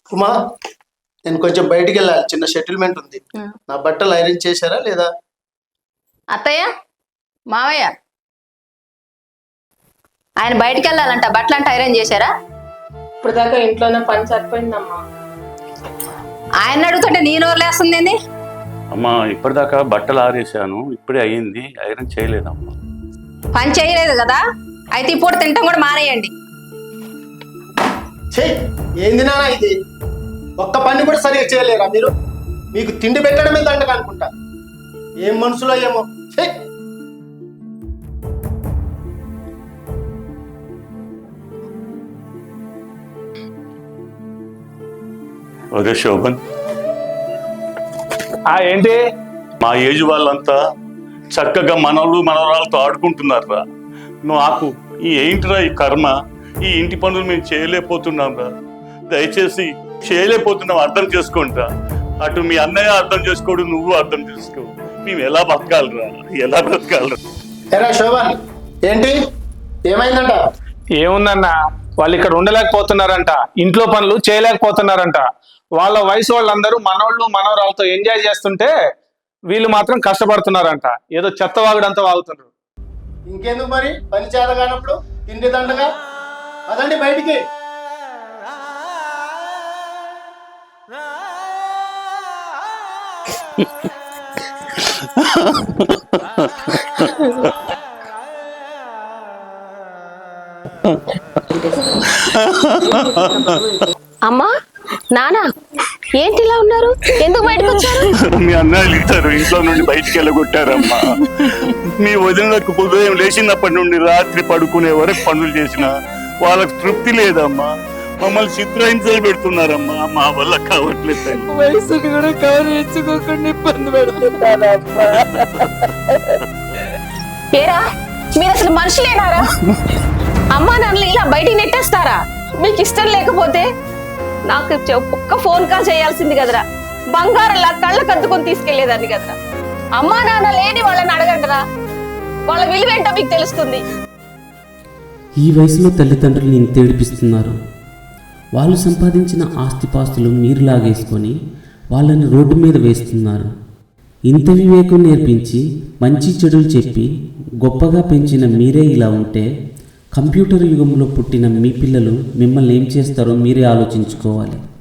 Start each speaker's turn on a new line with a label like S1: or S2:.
S1: ఉమా, నేను కొంచెం బయటికి వెళ్ళాలి, చిన్న సెటిల్మెంట్ ఉంది. నా బట్టలు ఐరన్ చేశారా లేదా?
S2: అత్తయ్య, మావయ్య, ఆయన బయటికి వెళ్ళాలంట, బట్టలు అంటే ఐరన్ చేశారా?
S3: ఇప్పుడు దాకా ఇంట్లోనే పని సరిపోయిందమ్మా.
S2: ఆయన అడుగుతుంటే నేను వదిలేస్తుంది.
S4: అమ్మా ఇప్పటిదాకా బట్టలు ఆరేసాను, ఇప్పుడే అయ్యింది, ఐరన్ చేయలేదమ్మా.
S2: పని చేయలేదు కదా, అయితే ఇప్పుడు తింటాం కూడా మానేయండి.
S1: ఏంది నాన్న ఇది? ఒక్క పని కూడా సరిగా చేయలేరా మీరు? మీకు తిండి పెట్టడమే దండగా అనుకుంటా. ఏం మనసులో ఏమో.
S4: ఒరే శోభన్,
S5: ఏంటి?
S4: మా ఏజ్ వాళ్ళంతా చక్కగా మనవలు మనవరాలతో ఆడుకుంటున్నారా? నాకు ఏంటిరా ఈ కర్మ? ఈ ఇంటి పనులు మేము చేయలేకపోతున్నాం రా. దయచేసి చేయలేకపోతున్నాం, అర్థం చేసుకుంటా. అటు మీ అన్నయ్య అర్థం చేసుకోడు, నువ్వు అర్థం చేసుకో. మేము ఎలా బతకాలరా, ఎలా బ్రతకాలరా?
S1: ఎరా శోభన్, ఏంటి ఏమైందంట?
S5: ఏముందన్నా, వాళ్ళు ఇక్కడ ఉండలేకపోతున్నారంట, ఇంట్లో పనులు చేయలేకపోతున్నారంట. వాళ్ళ వయసు వాళ్ళందరూ మనోళ్ళు మనవరాలతో ఎంజాయ్ చేస్తుంటే వీళ్ళు మాత్రం కష్టపడుతున్నారంట. ఏదో చెత్త వాగుడంతా వాగుతున్నారు.
S1: ఇంకెందుకు మరి, పని చేతగానప్పుడు తిండి దండగా. అదండి బయటికి.
S2: అమ్మా, నానా, ఏంటి ఇలా ఉన్నారు? ఎందుకు బయటకు వచ్చారు?
S4: మీ అన్నయ్యలు ఇద్దరు ఇంట్లో నుండి బయటికి వెళ్ళగొట్టారమ్మా. మీ వదినకు ఉదయం లేచినప్పటి నుండి రాత్రి పడుకునే వరకు పనులు చేసిన వాళ్ళకి తృప్తి లేదమ్మా. మమ్మల్ని చిత్రహింసలు పెడుతున్నారమ్మా. మా వల్ల కావట్లేదు.
S3: వయసుని కూడా గౌరవించుకోకుండా ఇబ్బంది పెడుతున్నారమ్మా.
S2: ఏరా, మీరు అసలు మనుషులేనారా? అమ్మా నాన్నలు ఇలా బయటికి నెట్టేస్తారా? మీకు ఇష్టం లేకపోతే నాకు ఒక్క ఫోన్ కాల్ చేయాల్సింది కదరా. బంగారంలా కళ్ళ కద్దుకొని తీసుకెళ్లేదాన్ని కదరా. అమ్మా నాన్న లేని వాళ్ళని అడగంటరా, వాళ్ళ విలువేంటో మీకు తెలుస్తుంది.
S6: ఈ వయసులో తల్లిదండ్రులు ఇంత ఏడిపిస్తున్నారు. వాళ్ళు సంపాదించిన ఆస్తిపాస్తులు మీరు లాగేసుకొని వాళ్ళని రోడ్డు మీద వేస్తున్నారు. ఇంత వివేకం నేర్పించి మంచి చెడులు చెప్పి గొప్పగా పెంచిన మీరే ఇలా ఉంటే కంప్యూటర్ యుగంలో పుట్టిన మీ పిల్లలు మిమ్మల్ని ఏం చేస్తారో మీరే ఆలోచించుకోవాలి.